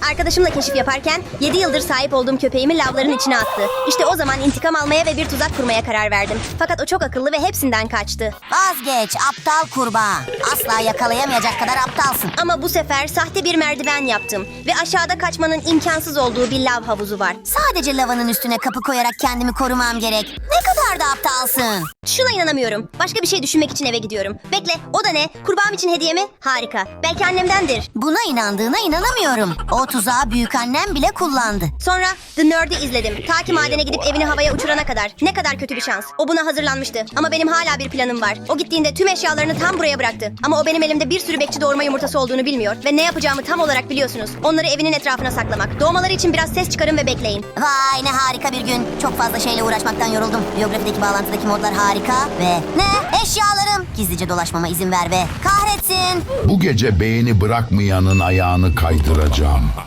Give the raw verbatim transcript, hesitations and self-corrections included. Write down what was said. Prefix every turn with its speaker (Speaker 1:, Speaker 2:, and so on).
Speaker 1: Arkadaşımla keşif yaparken yedi yıldır sahip olduğum köpeğimi lavların içine attı. İşte o zaman intikam almaya ve bir tuzak kurmaya karar verdim. Fakat o çok akıllı ve hepsinden kaçtı.
Speaker 2: Vazgeç aptal kurbağa. Asla yakalayamayacak kadar aptalsın.
Speaker 1: Ama bu sefer sahte bir merdiven yaptım ve aşağıda kaçmanın imkansız olduğu bir lav havuzu var.
Speaker 2: Sadece lavanın üstüne kapı koyarak kendimi korumam gerek. Ne kadar da aptalsın.
Speaker 1: Şuna inanamıyorum. Başka bir şey düşünmek için eve gidiyorum. Bekle, o da ne? Kurbağam için hediye mi? Harika. Belki annemdendir.
Speaker 2: Buna inandığına inanamıyorum. O tuzağı büyükannem bile kullandı.
Speaker 1: Sonra The Nerd'i izledim. Ta ki madene gidip evini havaya uçurana kadar. Ne kadar kötü bir şans. O buna hazırlanmıştı. Ama benim hala bir planım var. O gittiğinde tüm eşyalarını tam buraya bıraktı. Ama o benim elimde bir sürü bekçi doğurma yumurtası olduğunu bilmiyor. Ve ne yapacağımı tam olarak biliyorsunuz. Onları evinin etrafına saklamak. Doğmaları için biraz ses çıkarın ve bekleyin.
Speaker 2: Vay ne harika bir gün. Çok fazla şeyle uğraşmaktan yoruldum. Biyografideki bağlantıdaki modlar harika ve... Ne? Eşyalarım. Gizlice dolaşmama izin ver ve kahretsin.
Speaker 3: Bu gece beğeni bırakmayanın ayağını kaydıracağım.